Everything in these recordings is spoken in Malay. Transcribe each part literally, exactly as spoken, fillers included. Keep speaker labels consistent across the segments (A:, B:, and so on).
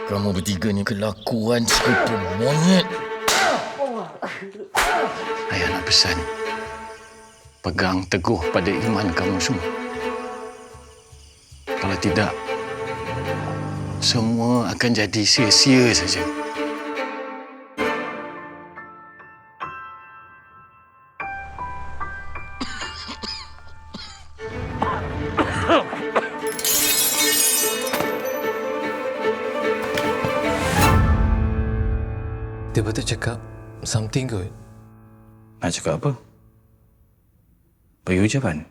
A: Kamu bertiga ni kelakuan serupa monyet. Ayah nak pesan, pegang teguh pada iman kamu semua. Kalau tidak, semua akan jadi sia-sia saja.
B: Dia betul cakap something good.
C: Nak cakap apa? Bagi ucapan.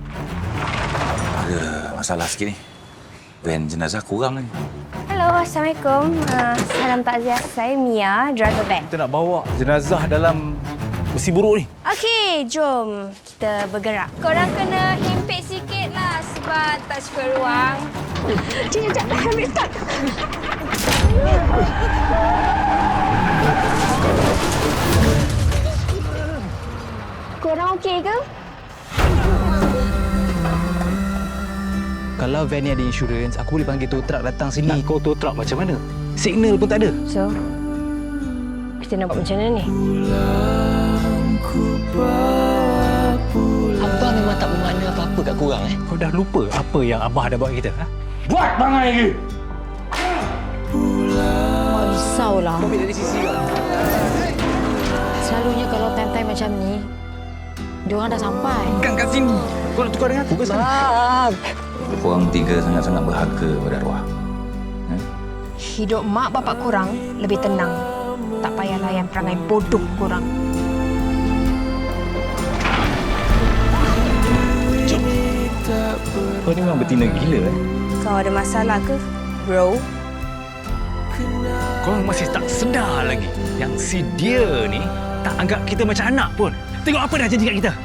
C: Ada masalah sikit ni. Van jenazah kurang lagi.
D: Hello, Assalamualaikum. Uh, salam takziah. Saya Mia, driver van.
C: Kita nak bawa jenazah dalam besi buruk ni.
D: Okey, jom kita bergerak. Korang kena himpit sikit lah sebab tak cukup ruang. Cik, sekejap. Ambil start. Korang okey ke?
E: Kalau van ni ada insurans, aku boleh panggil tow truck datang sini. Nak kau tow truck macam mana? Signal pun tak ada.
D: So, kita nak buat macam mana ni?
E: Abah memang tak bermakna apa-apa kat korang eh.
F: Kau dah lupa apa yang Abah dah buat kita? Ha?
C: Buat bangai lagi!
G: Mak risaulah.
E: Kau ambil dari sisi kau.
G: Selalunya kalau time-time macam ni, diorang dah sampai.
E: Kan kat sini. Kau nak tukar dengan aku ke sana?
C: Korang tiga sangat-sangat berharga pada arwah. Ha?
D: Hidup mak bapak korang lebih tenang. Tak payah layan perangai bodoh korang.
E: Jom.
F: Kau ni memang betina gila eh.
D: Kau ada masalah ke, bro?
F: Korang masih tak sedar lagi yang si dia ni tak anggap kita macam anak pun. Tengok apa dah jadi kat kita.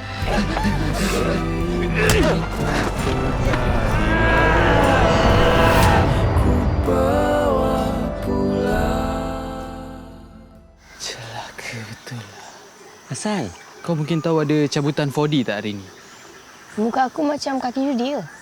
E: Celaka betul lah. Hassan, kau mungkin tahu ada cabutan four D tak hari ni?
D: Muka aku macam kaki judi ke?